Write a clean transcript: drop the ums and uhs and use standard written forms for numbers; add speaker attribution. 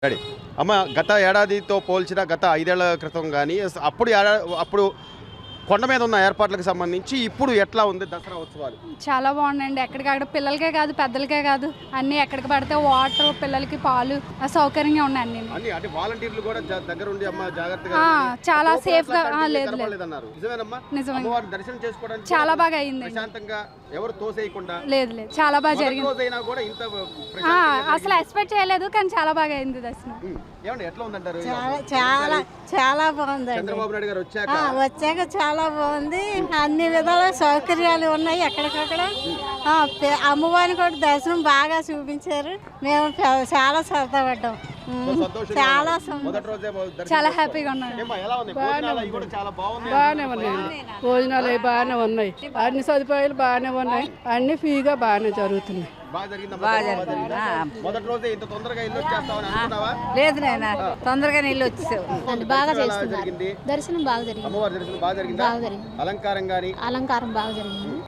Speaker 1: Ready అమ్మ గత ఏడాదితో పోల్చిన గత 5 ఏళ్ల క్రితం కానీ అప్పుడు కొండ మీద ఉన్న ఏర్పాట్లకు సంబంధించి ఇప్పుడు ఎట్లా ఉంది దసరా ఉత్సవాలు?
Speaker 2: చాలా బాగుందండి. ఎక్కడికక్కడ పిల్లలకే కాదు పెద్దలకే కాదు అన్నీ ఎక్కడికి పడితే వాటర్ పిల్లలకి పాలు సౌకర్యంగా ఉన్నాయి అన్ని.
Speaker 1: అంటే వాలంటీర్లు కూడా దగ్గర ఉండి అమ్మ జాగ్రత్తగా
Speaker 2: చాలా సేఫ్ గా లేదు
Speaker 1: నిజమే దర్శనం చేసుకోవడానికి
Speaker 2: చాలా బాగా అయింది.
Speaker 1: ప్రశాంతంగా ఎవరు తోసేయకుండా
Speaker 2: లేదు చాలా బాగా జరిగింది.
Speaker 1: కూడా ఇంత
Speaker 2: అసలు ఎక్స్పెక్ట్ చేయలేదు కానీ చాలా బాగా అయింది దర్శనం.
Speaker 1: ఏమండి ఎట్లా ఉందంటారు?
Speaker 3: చాలా చాలా బాగుంది.
Speaker 1: చంద్రబాబు నాయుడు గారు
Speaker 3: వచ్చాక చాలా బాగుంది. అన్ని విధాల సౌకర్యాలు ఉన్నాయి. ఎక్కడికక్కడ అమ్మవారిని కూడా దర్శనం బాగా చూపించారు. మేము చాలా సరదా పడ్డాం. చాలా
Speaker 2: చాలా హ్యాపీగా ఉన్నాడు.
Speaker 4: బాగానే ఉన్నాయండి. భోజనాలు అవి బాగానే ఉన్నాయి. అన్ని సదుపాయాలు బాగానే ఉన్నాయి. అన్ని ఫ్రీగా బాగానే జరుగుతున్నాయి.
Speaker 3: లేదు నాయన తొందరగా నీళ్ళు వచ్చేసావు.
Speaker 2: బాగా చేస్తున్నారు. దర్శనం బాగా జరిగింది.
Speaker 1: అలంకారం బాగా జరిగింది.